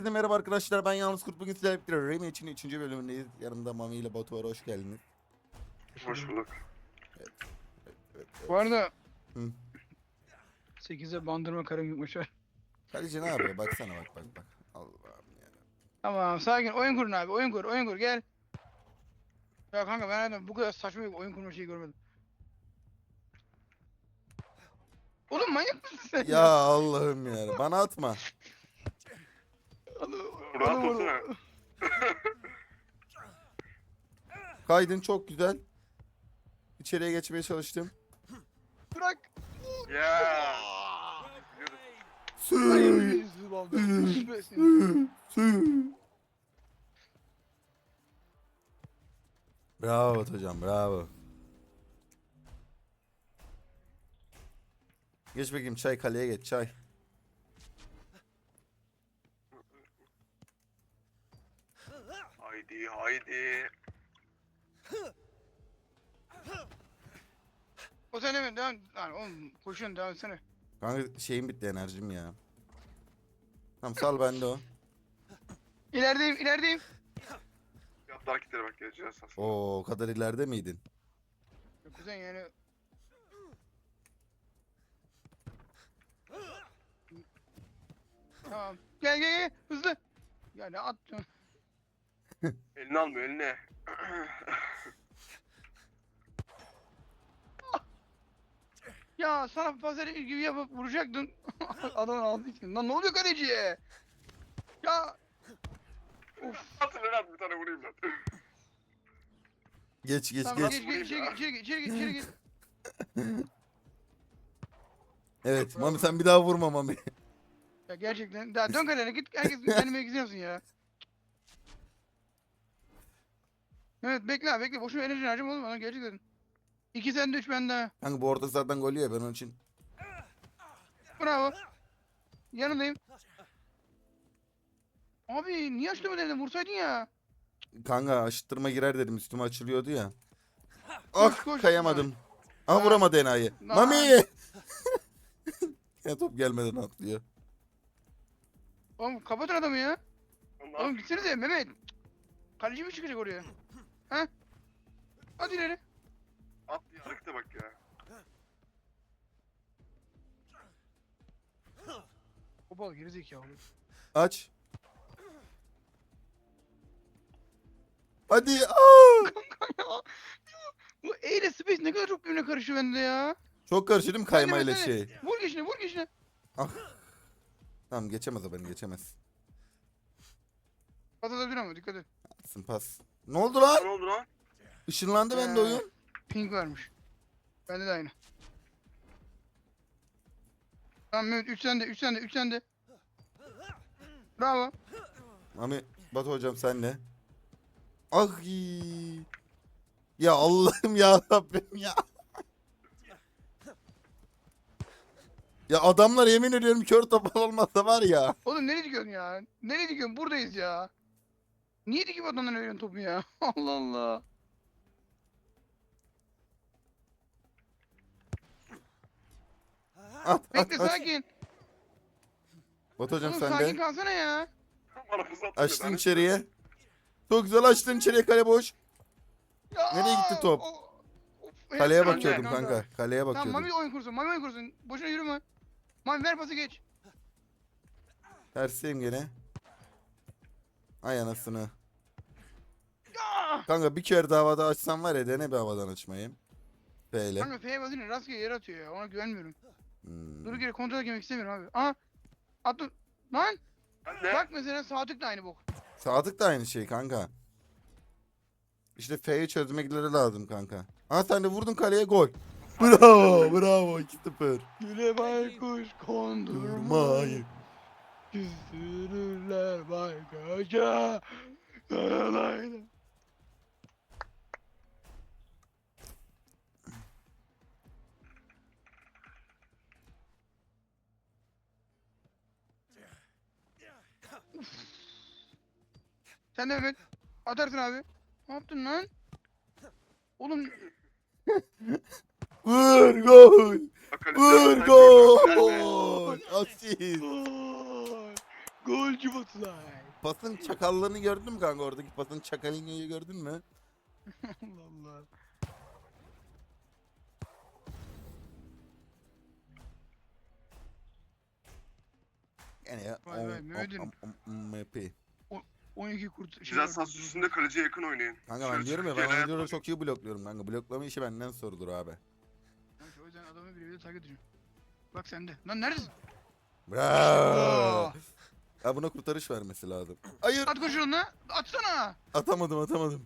Herkese merhaba arkadaşlar, ben Yalnız Kurt. Bugün sizlerle birlikte Remy için 3. bölümündeyiz. Yanımda Mami ile Batu var, hoş geldiniz. Hoş bulduk. Evet. Bu arada Hı. 8'e bandırma karım yutmuş var. Kaleci ne yapıyor? Baksana bak. Allah'ım ya. Tamam sakin oyun kurun abi oyun kur gel. Ya kanka ben hayatımda bu kadar saçma bir oyun kurma şeyi görmedim. Oğlum manyak mısın sen Ya Allah'ım ya. Bana atma. Rahat olsana. Kaydın çok güzel. İçeriye geçmeye çalıştım. Bırak. Ya. Sü. Bravo Batu hocam, bravo. Geç bakayım, çay, kaleye geç, çay. Haydi. O sen hemen devam. Lan oğlum koşun devam etsene. Kanka şeyim bitti, enerjim ya. Tamam, sal bende o. İlerideyim. Yaptı hareketlere bak geleceğiz aslında. Oo, o kadar ileride miydin? Kuzen yani. Tamam. Gel hızlı. Ya ne attın? Elini almıyor eline. Ya sana pazarı gibi yapıp vuracaktın. Adamın aldığı için. Lan ne oluyor kaleciye? Ya. Of. Atın Renat bir tane vurayım lan. Geç. Tamam geç içeri git. Evet, Mami sen bir daha vurma Mami. Ya gerçekten. Daha dön kalene git. Herkes kendime gidiyorsun ya. Evet bekle. Boşuna enerji harcama oğlum bana gerçekten. 2 sende 3 bende. Kanka bu orta sahadan gol yiyor, ben onun için. Bravo. Yanındayım. Abi niye açtın dedim vursaydın ya. Kanka aşıttırma girer dedim, üstüme açılıyordu ya. Koş, Ah, koş. kayamadım. Ah, vuramadı enayi. Lan. Mami! Ya top gelmeden atlıyor. Oğlum kapatın adamı ya. Ondan Oğlum gitsenize Mehmet. Kaleci mi çıkacak oraya? Ha? Hadi ileri. at diye harekete bak ya. Topal gerizekalı. Aç. Hadi. Aa! Bu E ile Space ne kadar çok birbirine karışıyor bende ya. Çok karıştı değil mi kaymayla Hadi, şey? Vur geçine. Tamam, geçemez o, beni geçemez. Pas atabilir ama dikkat et. Atsın pas. Ne oldu lan? Ne oldu lan? Işınlandı bende oyun. Ping varmış. Bende de aynı. Tamam Mehmet 3 sende. Bravo. Mami, Batu hocam sen ne? Ah iyi. Ya Allah'ım ya Rabbim ya. Ya adamlar yemin ediyorum kör topal olmasa var ya. Oğlum nereye dikiyorsun ya? Nereye dikiyorsun? Buradayız ya. Niye dikip adamdan veriyorsun topu ya? Allah Allah. At. Bekle sakin. Batu hocam Oğlum sen sakin de. kalsana ya. Bana fırsat atıyor. Açtın içeriye. Çok güzel açtın içeriye, kale boş. Ya, Nereye gitti top? of, Kaleye hep bakıyordum kanka. kanka. Kaleye Tamam bakıyordum. Mami oyun kursun. Boşuna yürüme. Mami ver pası geç. Tersiyim gene. Ay anasını. Ya! Kanka bir kere daha havada açsam var ya, dene bir havadan açmayı. Böyle. Kanka F'ye basınca rastgele yere atıyor ya. Ona güvenmiyorum. Hmm. Duru geri kontrol etmek istemiyorum abi. Aha. Attın. Lan. Anne. Bak mesela Sadık da aynı bok. Sadık da aynı şey kanka. İşte F'yi çözmekleri lazım kanka. Ha sen de vurdun kaleye, gol. Bravo 2-0. Güle baykuş kondurmayı. Durmayı. Küstürürler baykaşa. Lay. Sen de Mehmet. Atarsın abi. Ne yaptın lan? Oğlum Vur gol. Bak, kaleci Vur sen gol. görme. Asist. gol. Golcü Baturay. Pasın çakallığını gördün mü kanka? Oradaki pasın çakalını gördün mü? Allah Allah. Yani ya. Vay vay, Mehmet'im. MP. 12 kurt. Güzel sas üstünde kaleciye yakın oynayın. Kanka ben Şöyle diyorum ya, ben Türkiye'yle oyuncuları hayat çok iyi blokluyorum kanka. Bloklama işi benden sorulur abi. O yüzden adamı bir takip ediyorum. Bak sende. Lan neredesin? Bravo. Ya buna kurtarış vermesi lazım. Hayır. At koşun lan. Atsana. Atamadım.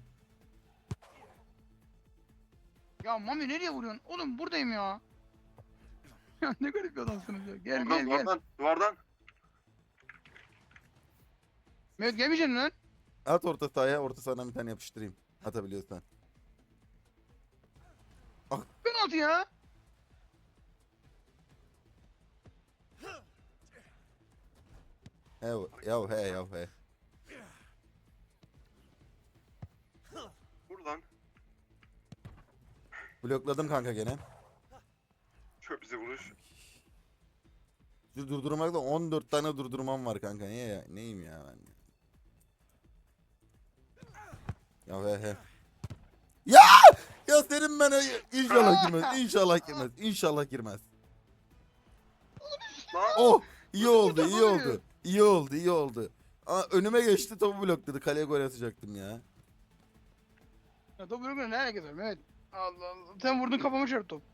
Ya Mami nereye vuruyorsun? Oğlum buradayım ya. Ya ne garip bir adamsınız ya. Gel Duvardan, gel gel. duvardan. Mehmet gelmeyeceksin lan. At orta sahaya, orta sahadan bir tane yapıştırayım. Atabiliyorsan. Penaltı ya. He. Buradan. Blokladım kanka gene. Çöp bize vuruş. Şu durdurmakta 14 tane durdurmam var kanka. Niye ya? Neyim ya ben? He. Ya! Ya senin ben inşallah girmez. Lan. Oh! İyi oldu. Kurtardı. İyi oldu. Aa, önüme geçti, topu blokladı. Kaleye gol atacaktım ya. Ya top vuruyor ne alakası var Mehmet? Allah Allah. Sen vurdun kafama çarptı top.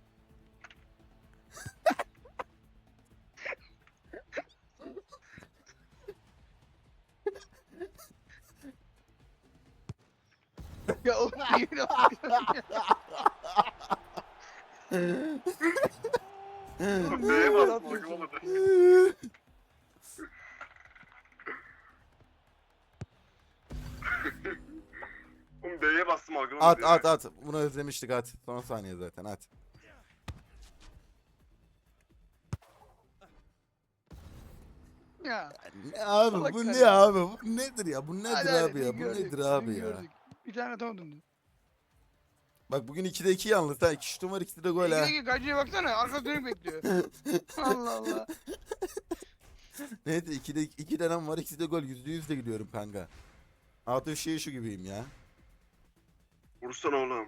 Ya oğlum niye öyle yapıyorsun ya? Neye bastım algılamadı. Oğlum D'ye bastım algılamadı. At. Bunu özlemiştik, at. Son saniye zaten, at. Ya. Ne abi Salak bu sen ne ya. abi? Bu nedir ya? Bu nedir Hadi abi hadi, ya? dün Bu gördük, nedir abi dün ya? gördük. Bir tane atamadın. Bak bugün 2'de 2 yalnız ha. 2 şutum var, 2'de de gol ha. İkideki gacıya baksana. Arka dönük bekliyor. Allah Allah. Neyse 2'de 2 denem var, 2'de gol. %100 de gidiyorum kanka. Atı şu gibiyim ya. Vursana oğlum.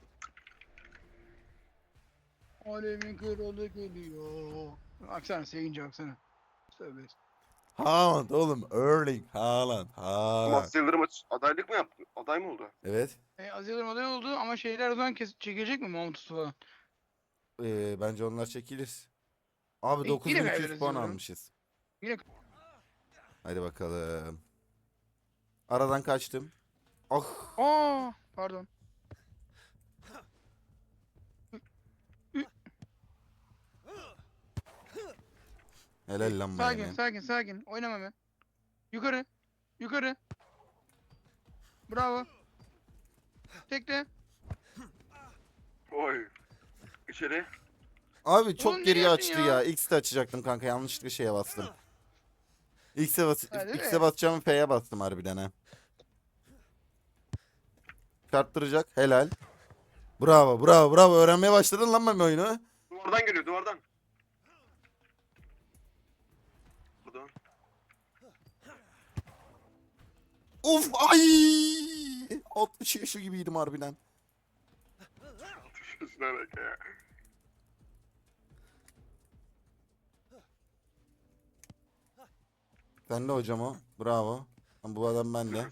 Alemin kralı geliyor. Baksana sevince baksana. Tövbe. Haaland oğlum. Erling Haaland. Max Yıldırım adaylık mı yaptı? Aday mı oldu? Evet. Az Yıldırım aday oldu ama şeyler o zaman çekilecek mi Mahmut falan? Bence onlar çekilir. Abi Yine 9200 kaybederiz puan diyorum. almışız. Yine Hadi bakalım. Aradan kaçtım. Ah. pardon. Helal lan bana. Sakin. Oynama ben. Yukarı. Bravo. Tekle. Oy. İçeri. Abi çok Oğlum geriye nereye açtı attın ya. ya? X'de açacaktım kanka. Yanlışlıkla şeye bastım. Ha, değil X'e mi? basacağımı F'ye bastım harbiden ha. Çarptıracak. Helal. Bravo. Öğrenmeye başladın lan ben oyunu. Duvardan geliyor duvardan. Buradan. Uf ay. 60 yaşı gibiydim harbiden. Atışıyorsun alaka ya. Sen de hocam o. Bravo. Lan bu adam bende.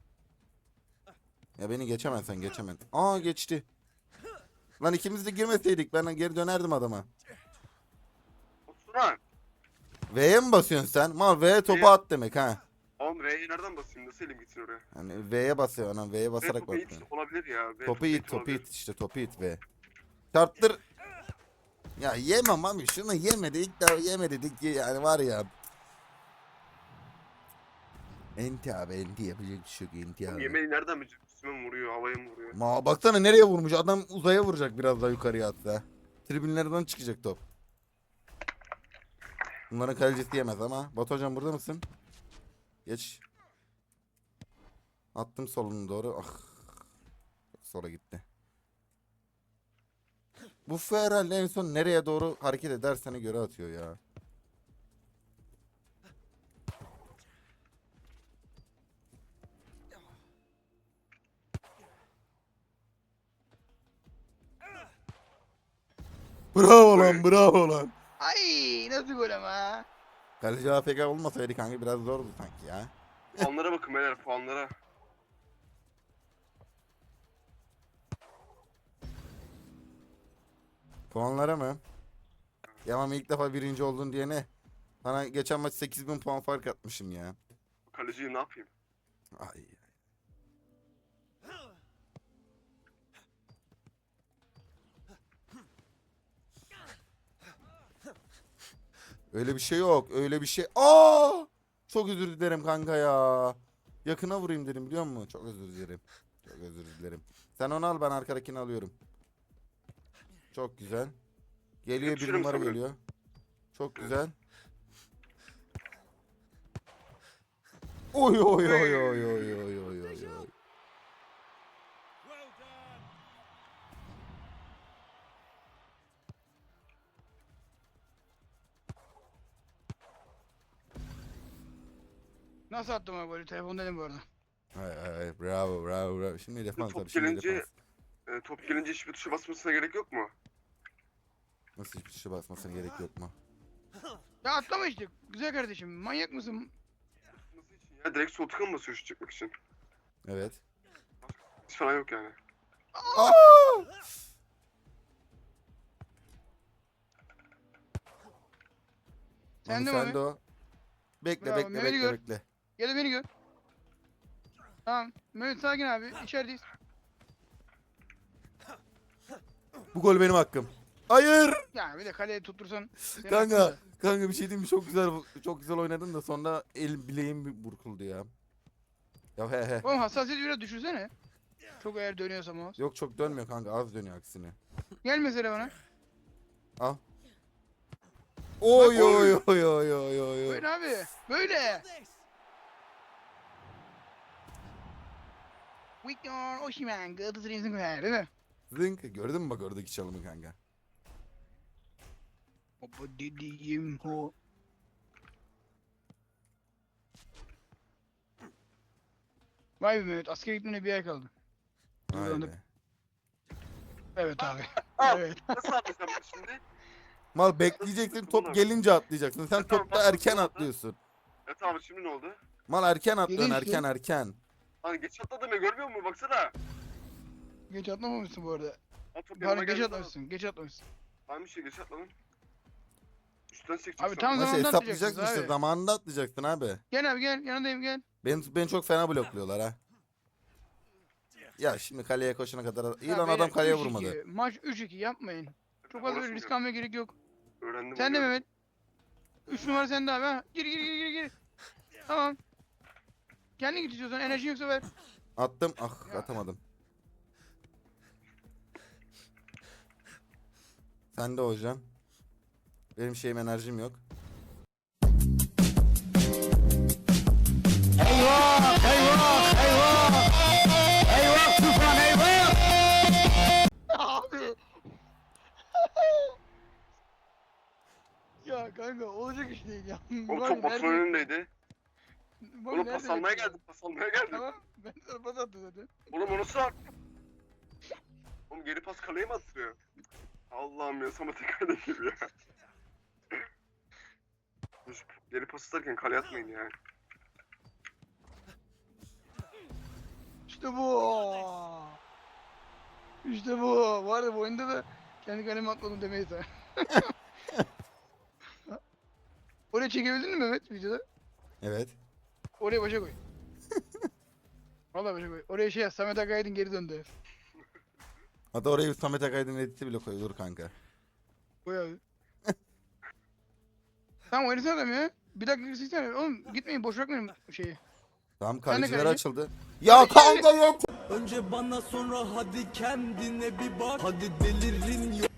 Ya beni geçemezsen geçemez. Aa geçti. Lan ikimiz de girmeseydik ben geri dönerdim adama. Oturan. V'ye mi basıyorsun sen? Mal V'ye topu V'ye- at demek ha. Oğlum V'yi nereden basayım? Nasıl elim gitsin oraya? Hani V'ye basıyor anam. V'ye basarak Topu it basıyor. olabilir ya. V Topu olabilir. it işte topu it V. Çarptır. Ya yemem abi şunu yeme dedik de yeme dedik ki yani var ya. Enti abi enti yapacak bir şey yok enti Oğlum abi. yemeği nereden bilecek? Üstüme mi vuruyor? Havaya mı vuruyor? Baksana nereye vurmuş adam, uzaya vuracak biraz daha yukarıya atsa. Tribünlerden çıkacak top. Bunların kalecisi yemez ama. Batu hocam burada mısın? Geç. Attım solunu doğru. Ah. Sola gitti. Bu herhalde en son nereye doğru hareket edersene göre atıyor ya. Bravo lan, bravo lan. Ay nasıl gol ama. Kaleci AFK olmasaydı kanka biraz zordu sanki ya. Puanlara bakın beyler, puanlara. Puanlara mı? Ya ama ilk defa birinci oldun diye ne? Sana geçen maç 8000 puan fark atmışım ya. Kaleciyi ne yapayım? Ay. Öyle bir şey yok. Öyle bir şey. Aa! Çok özür dilerim kanka ya. Yakına vurayım dedim biliyor musun? Çok özür dilerim. Çok özür dilerim. Sen onu al, ben arkadakini alıyorum. Çok güzel. Geliyor, bir Yapışırım numara sana. geliyor. Çok güzel. Oy oy oy oy oy oy oy oy oy. Nasıl attım o golü? Telefondaydım bu arada. Ay, bravo bravo bravo. Şimdi defans Top abi, şimdi gelince- defans. Top gelince hiçbir tuşa basmasına gerek yok mu? Nasıl hiçbir şey basmasına gerek yok mu? Ya atlama işte. Güzel kardeşim. Manyak mısın? Nasıl için ya? Direkt sol tıka mı basıyor şut çekmek için? Evet. Hiç falan yok yani. Aa! Sen Mami, de sen mi? de o. Bekle Bravo, bekle Mehmet'i bekle gör. bekle. Gel de beni gör. Tamam. Mehmet sakin abi. İçerideyiz. Bu gol benim hakkım. Hayır. Ya bir de kaleye tuttursan. senin Kanka, hakkın da. kanka bir şey diyeyim mi? Çok güzel oynadın da sonra bileğim bir burkuldu ya. Ya he he. Oğlum hassasiyeti biraz düşürsene. Çok eğer dönüyorsa mouse. Yok çok dönmüyor kanka, az dönüyor aksine. Gel mesela bana. Al. Oy Oy. oy oy oy oy oy. Böyle abi. Böyle. Victor Osimhen. Galatasaray'ın golü değil mi? Zınk, gördün mü bak oradaki çalımı kanka? Baba dediğim o. Vay be Mehmet. Askere gitmene bir ay kaldı. Vay Duygulandım. be. Evet abi. Al. Evet. Nasıl atlayacağım ben şimdi? Mal bekleyeceksin, top gelince atlayacaksın. Sen Tamam, topta tamam, erken tamam. atlıyorsun. Evet abi, şimdi ne oldu? Mal erken atlıyorsun, Gelin işte. erken erken. Lan geç atladım ya, görmüyor musun? Baksana. Geç atlamamışsın bu arada. Lan top yanıma Pardon geç geldi. atlamışsın. Geç atlamışsın. Tamam bir şey, geç atladım. Üstten çekeceksin. Abi tam Maçı zamanında hesaplayacaksın atlayacaksınız işte, abi. zamanında atlayacaksın abi. Gel abi gel. Yanındayım gel. Beni çok fena blokluyorlar ha. Ya şimdi kaleye koşana kadar iyi Ya lan, beyler, adam kaleye 3-2. vurmadı. Maç 3-2 yapmayın. Çok fazla Orası böyle risk mı? almaya gerek yok. Öğrendim. Sen de oynuyorum. Mehmet. 3 numara sende abi ha. Gir gir gir gir gir. Tamam. Kendin git istiyorsan, enerjin yoksa ver. Attım, ah Ya. atamadım. Sen de hocam. Benim şeyim, enerjim yok. Abi. Ya kanka olacak iş değil ya. O Bak top nerede Batu'nun önündeydi. Bak Oğlum nerede pas almaya bekliyor. geldim. Pas almaya geldim. Tamam. Ben sana pas attım zaten. Oğlum onu sor. Oğlum geri pas kaleye mi attırıyor? Allah'ım ya, Samet Ekay'da gibi ya. Geri pas atarken kaleye atmayın ya. İşte bu. İşte bu. Var ya bu oyunda da kendi kaleme atmadım demeyiz ha. Oraya çekebildin mi Mehmet videoda? Evet. Oraya başa koy. Vallahi başa koy. Oraya şey yaz. Samet Akaydın geri döndü. Hatta oraya bir Samet Akaydın editi bile koyulur kanka. Koy abi. Tamam oynasana adam ya. Bir dakika girsene. Oğlum gitmeyin boş bırakmayın şeyi. Tamam, de kaleciler kaleci. açıldı. Ya kanka yok. Önce bana sonra hadi kendine bir bak. Hadi delirin yok.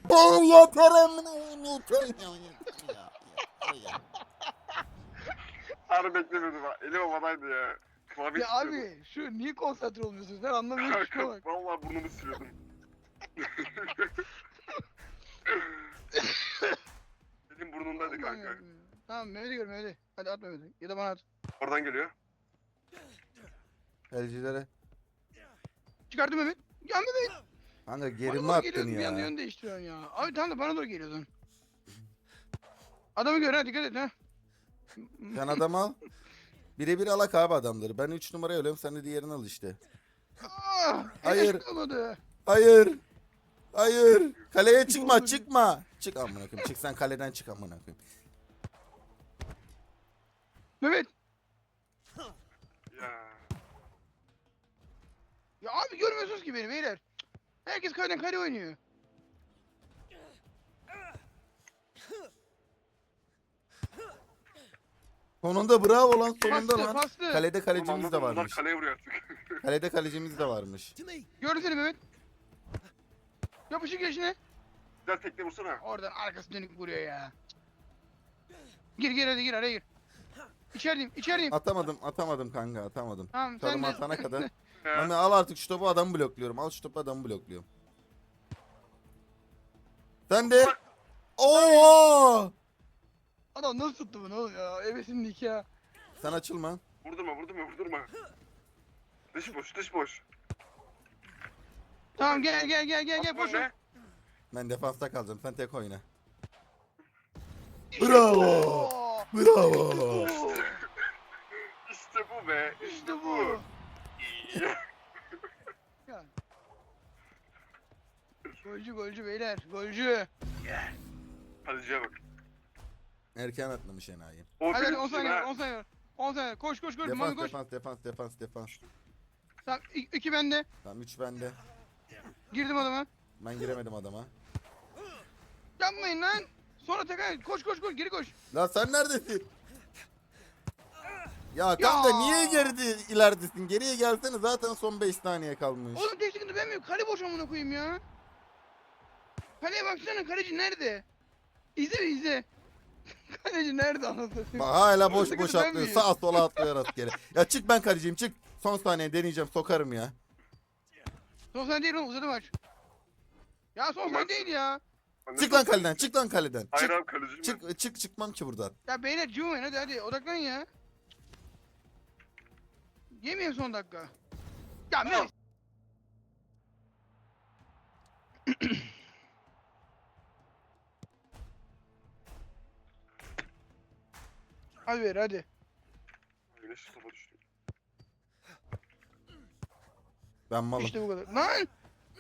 Harbi beklemiyordum ha. Elim havadaydı ya. Klavye Ya abi şu niye konsantre olmuyorsun? Sen anlamıyorsun şuna Kanka bak. vallahi burnumu siliyordum. Elim burnundaydı Allah'ım kanka. yarabbim ya. Tamam Mehmet'i gör Mehmet'i. Hadi at Mehmet'i. Ya da bana at. Oradan geliyor. Kalecilere. Çıkardım Mehmet. Ya Mehmet. Kanka geri mi Bana doğru attın geliyorsun, bir anda ya? yön değiştiriyorsun ya. Abi tamam da bana doğru geliyordun. Adamı gör ha, dikkat et ha. Sen adam al. Birebir alak abi adamları. Ben 3 numaraya ölüyorum, sen de diğerini al işte. Hayır. Hayır. Olmadı. Hayır. Hayır. Kaleye Ne çıkma, olur. çıkma. Çık amına koyayım. Çık sen kaleden, çık amına koyayım. Mehmet. Ya. Ya abi görmüyorsunuz ki beni beyler. Herkes kaleden kale oynuyor. Sonunda bravo lan, sonunda Pastı, lan. pastı. Kalede Oğlum kalecimiz de anladım, bunlar varmış. kaleye vuruyor artık. Kalede kalecimiz de varmış. Gördün seni Mehmet. Yapışık yaşına. Güzel tekne vursana. Oradan arkası dönük vuruyor ya. Gir hadi gir, araya gir. İçerideyim. Atamadım kanka, atamadım. Tamam sen Çalım de. atana kadar. Ya. Mami al artık şu topu, adamı blokluyorum. Al şu topu, adamı blokluyorum. Sen de. Oo! Adam nasıl tuttu bunu oğlum ya? Ebesinlik ya. Sen açılma. Vurdurma. Dış boş. Tamam gel Atma boş ver. be. Ben defansta kalacağım. Sen tek oyna. İşte Bravo. bu. Bravo. İşte bu be. İşte bu. Ya. Golcü beyler, golcü. Kaleciye bak. Erken atlamış enayi. O Hadi benim 10 için saniye var, ha. 10 saniye var. 10 saniye var. Koş. Mami koş. Defans. Tamam 2 bende. Tamam 3 bende. Girdim adama. Ben giremedim adama. Yapmayın lan. Sonra tekrar koş geri koş. Lan sen neredesin? Ya kanka niye ileridesin? Geriye gelsene, zaten son 5 saniye kalmış. Oğlum tek sıkıntı ben miyim? Kale boş amına koyayım ya. Kaleye baksana, kaleci nerede? İzle. Kaleci nerede anasını satayım? Bak hala boş Sıkıntı boş ben atlıyor. miyim? Sağa sola atlıyor rastgele. Ya çık, ben kaleciyim, çık. Son saniye deneyeceğim, sokarım ya. Son saniye değil oğlum, uzadı maç. Ya son Tamam. saniye değil ya. Çık lan kaleden, çık lan kaleden. Hayır Çık, abi kaleciyim ben. çıkmam ki buradan. Ya beyler cıvmayın hadi odaklanın ya. Yemeyin son dakika. Ya Mehmet. Hadi ver hadi. Güneş topa düştü. Ben malım. İşte bu kadar. Lan!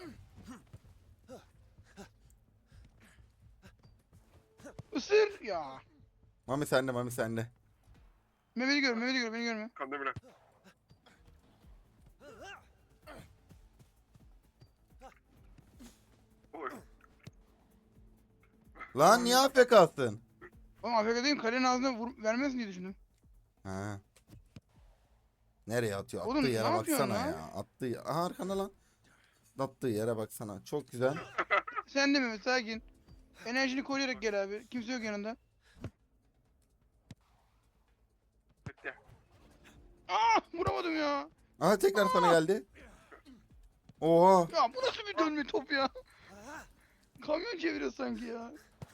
Isır ya. Mami sende. Mehmet'i gör, beni görme. Kandemir. Oy. Lan niye AFK'sın? Oğlum AFK değil, kalenin ağzına vermezsin diye düşündüm. Ha. Nereye atıyor? Oğlum, Attığı ne yere yapıyorsun baksana lan? ya. Aha arkanda lan. Attığı yere baksana. Çok güzel. Sen de Mehmet sakin. Enerjini koruyarak gel abi. Kimse yok yanında. Bitti. Vuramadım ya. Aha tekrar sana geldi. Oha. Ya bu nasıl bir dönme top ya? Kamyon çeviriyor sanki ya.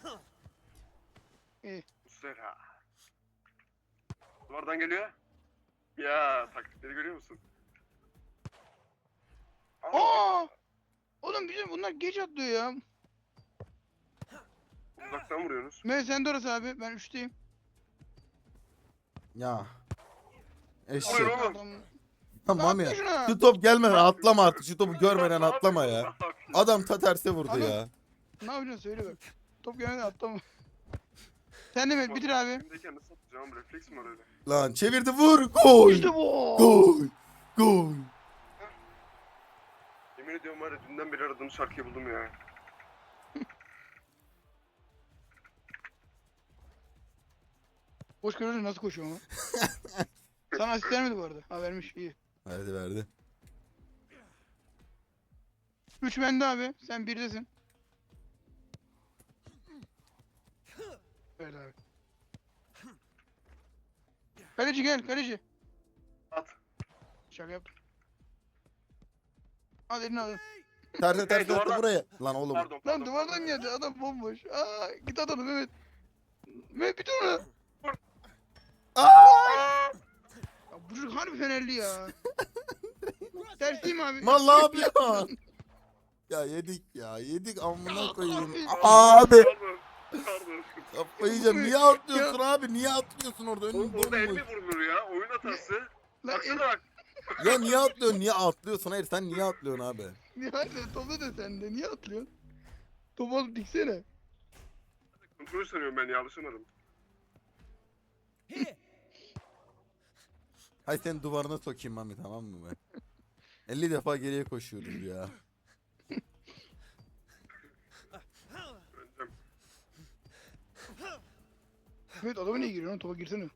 Muslera. Duvardan geliyor. Ya taktikleri görüyor musun? Aa! Oğlum bizim bunlar geç atlıyor ya. Uzaktan vuruyorsunuz. Mehmet sen de orası abi. Ben 3'teyim. Ya. Eşek. Buyur oğlum. Tamam Ne ya. yapıyorsun ha? Şu top gelmeden atlama artık. Şu topu görmeden Ne atlama yapıyorsun? ya. Ne yapıyorsun? Adam ta terse vurdu Adam- ya. Ne yapacaksın söyle bak. Top gelmeden atlama. Sen de Mehmet bitir abi. Elimdeyken nasıl atacağım? Refleks mi var öyle? Lan çevirdi, vur. Gol. İşte bu. Gol. Yemin ediyorum var ya dünden beri aradığım şarkıyı buldum ya. Boş kalori nasıl koşuyor ama? Sana asist vermedi bu arada. Ha vermiş iyi. Verdi. 3 bende abi. Sen 1'desin. Evet abi. Kaleci gel kaleci. At. Şaka yap. Al elini al. Terse Hey, attı duvardan- buraya. Lan oğlum. Pardon. Lan duvardan geldi adam bomboş. Git at onu Mehmet. Mehmet bir dur. Aa! Ya bu çocuk harbi fenerli ya. Ters değil mi abi? Mal ne yapıyorsun? ya yedik ya. Yedik amına koyayım. Abi. Abi. Pardon. Pardon. Kafayı yiyeceğim. Niye atlıyorsun abi? Niye atlıyorsun orada? Oğlum Önün orada el bomboş. mi vurulur ya? Oyun hatası. Lan Baksana bak. Ya niye atlıyorsun? Niye atlıyorsun? Hayır sen niye atlıyorsun abi? Niye atlıyorsun? Topu da sende. Niye atlıyorsun? Topu alıp diksene. Kontrol sanıyorum ben ya, alışamadım. Hay sen duvarına sokayım Mami, tamam mı ben? 50 defa geriye koşuyoruz ya. Öğreneceğim. Evet adamı niye giriyorsun? Topa girsene.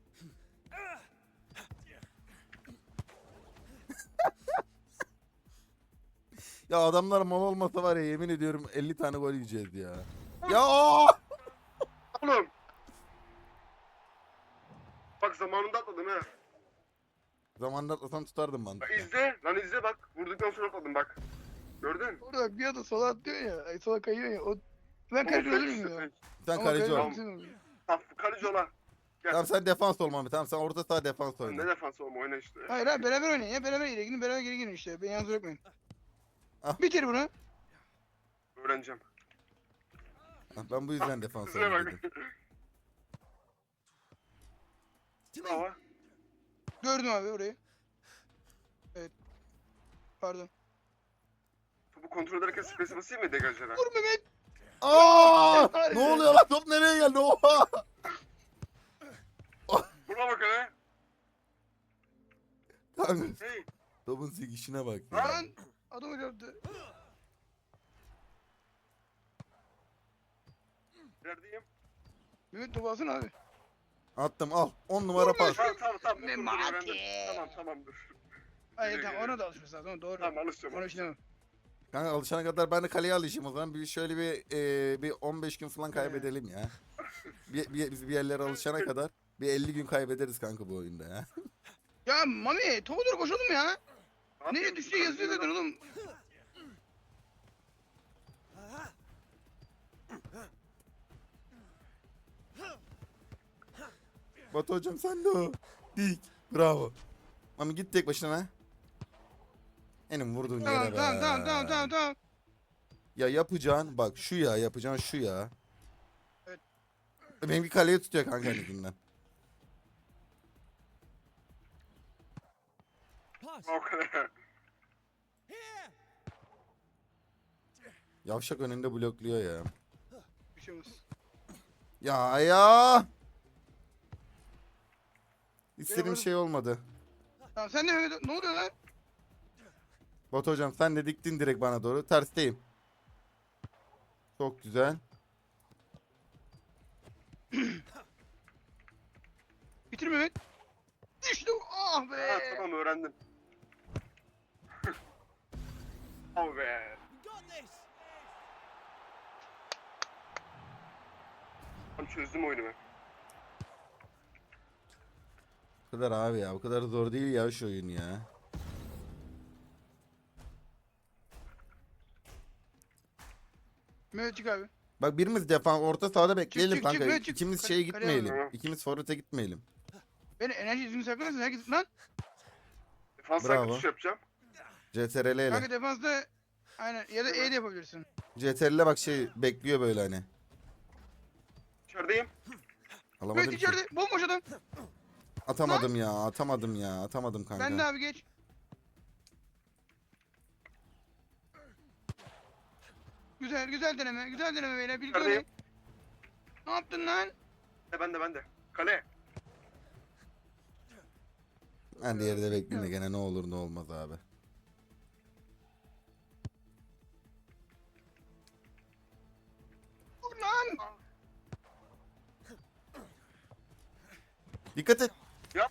Ya adamlar mal olmasa var ya, yemin ediyorum 50 tane gol yiyeceğiz ya. Ya Oğlum. Bak zamanında atladım ha. zamanında atlasam tutardım Bak mantıklı. izle. Lan izle bak. Vurduktan sonra atladım bak. Gördün? Orada bak bir anda sola atlıyor ya. Ay sola kayıyor ya. O... Ben Oğlum kaleci olur fake muyum işte, ya? fake. Sen Ama kaleci ol. kaleci sen oluyor. Tamam kaleci ola. Tamam sen defans ol Mami, tamam sen orta saha defans Ne oyna. defans olma oyna işte. Hayır abi beraber oynayın ya. Beraber geri gidin. Beraber geri gidin işte. Ben yalnız bırakmayın. Ah. Bitir bunu. Öğreneceğim. Ha, ben bu yüzden defans Size oyna bak. dedim. Hava. Gördüm abi orayı. Evet. Pardon. Topu kontrol ederken space'e basayım mı degajlara? Vur Mehmet. Aa! Harbi. Ne oluyor lan, top nereye geldi? Oha! Buna bak hele. Kanka Hey. topun sikişine bak ya. Lan. Adamı gördü. Neredeyim? Mehmet topu alsana abi. Attım, al. 10 numara pas. Tamam. Dur, Memati. öğrendim. Tamam dur. Hayır tamam ona da alışması lazım. Doğru. Tamam alışacağım. Ona şey Kanka alışana kadar ben de kaleye alışayım o zaman. Bir şöyle bir 15 gün falan kaybedelim ya. Biz bir yerlere alışana kadar bir 50 gün kaybederiz kanka bu oyunda ya. Ya Mami topu doğru koşalım ya. Ne Nereye yapayım? düştüğü yazıyor zaten oğlum. Batu hocam sen de o. Dik. Bravo. Mami git tek başına. Benim vurduğun yere Tamam be. tamam. Ya yapacağın bak şu ya, yapacağın şu ya. Evet. Benimki kaleye tutuyor kanka elinden. O kadar. Yavşak önünde blokluyor ya. Bir şey olmaz. Ya. İstediğim Eyvallah. şey olmadı. Tamam sen de Mehmet ne oluyor lan? Batu hocam sen de diktin direkt bana doğru. Tersteyim. Çok güzel. Bitir Mehmet. İşte o. Ah be. Ha tamam öğrendim. Oh be. Tam çözdüm oyunu ben. Bu kadar abi ya. Bu kadar zor değil ya şu oyun ya. Mehmet çık abi. Bak birimiz defans orta sahada bekleyelim çık, çık, kanka. böyle çık. İkimiz Kale- şeye kaleye gitmeyelim. alalım. İkimiz forvete gitmeyelim. Beni enerji yüzünü saklarsan herkes lan. Defans Bravo. hakkı tuş yapacağım. CTRL ile. Kanka defansta aynen ya da E de yapabilirsin. CTRL bak şey bekliyor böyle hani. İçerideyim. Alamadım Mehmet ki. içeride bomboş adam. Atamadım ya. Atamadım kanka. Ben de abi geç. Güzel deneme beyler. Birlikte Neredeyim? oynayın. Ne yaptın lan? Ben de. Kale. Ben de yerde bekleyeyim de gene ne olur ne olmaz abi. Dur lan. Dikkat et. Ya.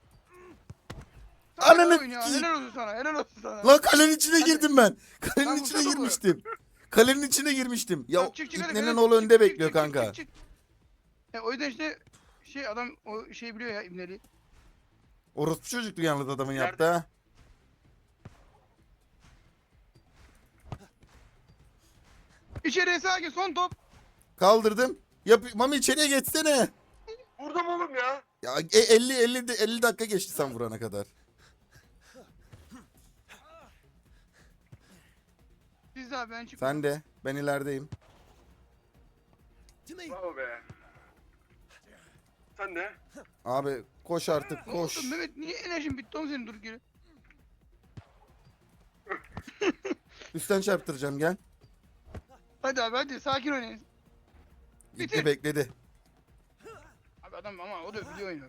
Sana Ananı oyun ya. sikeyim. Helal olsun sana. Lan kalenin içine girdim ben. Kalenin Lan içine vursana bu. girmiştim. Kalenin içine girmiştim. Ya Tamam, çık, hadi, İbnenin hadi, oğlu çık, önde çık, bekliyor çık, çık, kanka. çık. O yüzden işte şey adam o şeyi biliyor ya İbneli. Orospu çocuklu yalnız adamın Nerede? yaptı ha. İçeriye sakin son top. Kaldırdım. Mami içeriye geçsene. Vurdum oğlum ya. Ya 50 dakika geçti sen vurana kadar. Biz Aziz abi ben çıkıyorum. Sen de. Ben ilerideyim. Bravo be. Sen de. Abi koş artık Ne oldu koş. Mehmet niye enerjin bitti oğlum senin dur geri. Üstten çarptıracağım gel. Hadi abi hadi sakin oynayın. Gitti Bitir. bekledi. Abi adam ama o da biliyor oyunu.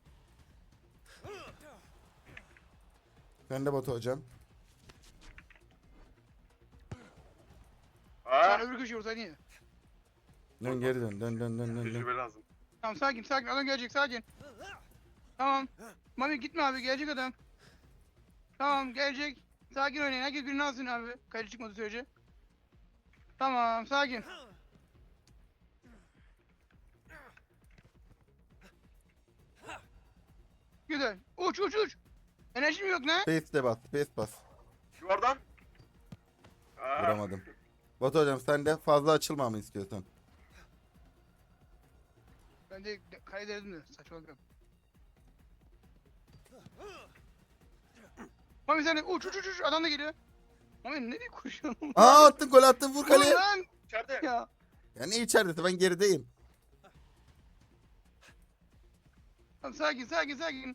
Ben de Batu hocam. Aa. Sen öbür köşeye vursaydın ya. Dön geri dön. Dön dön dön dön. Tecrübe lazım. Tamam sakin sakin adam gelecek sakin. Tamam. Mami gitme abi gelecek adam. Tamam gelecek. Sakin oynayın herkes birini alsın abi. Kaydı çıkmadı sürece. Tamam sakin. Güzel. Uç uç uç. Enerjim yok ne? Space de bas. Space bas. Yuvardan. Aa. Vuramadım. Batu hocam sen de fazla açılmamı istiyorsan. Ben de kaydederdim de saçmalık yok. Mami sen de uç uç uç uç adam da geliyor. Mami nereye koşuyorsun? Aa attın gol attın vur Dur kaleye. lan İçeride. ya. Ya ne içeride ben gerideyim. Tamam sakin sakin sakin.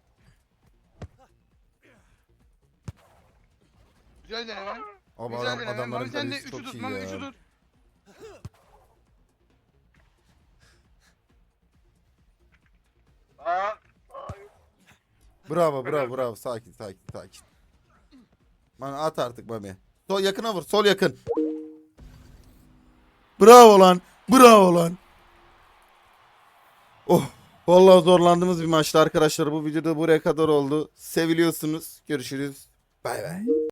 Güzel deneme. Abi Güzel deneme. adamların Mami sen de kalecisi 3'ü çok tut. iyi Mami 3'ü ya. tut. Aa. Bravo bravo bravo sakin sakin sakin. Mami at artık Mami. Sol yakına vur sol yakın. Bravo lan. Bravo lan. Oh. Vallahi zorlandığımız bir maçtı arkadaşlar. Bu videoda buraya kadar oldu. Seviliyorsunuz. Görüşürüz. Bay bay.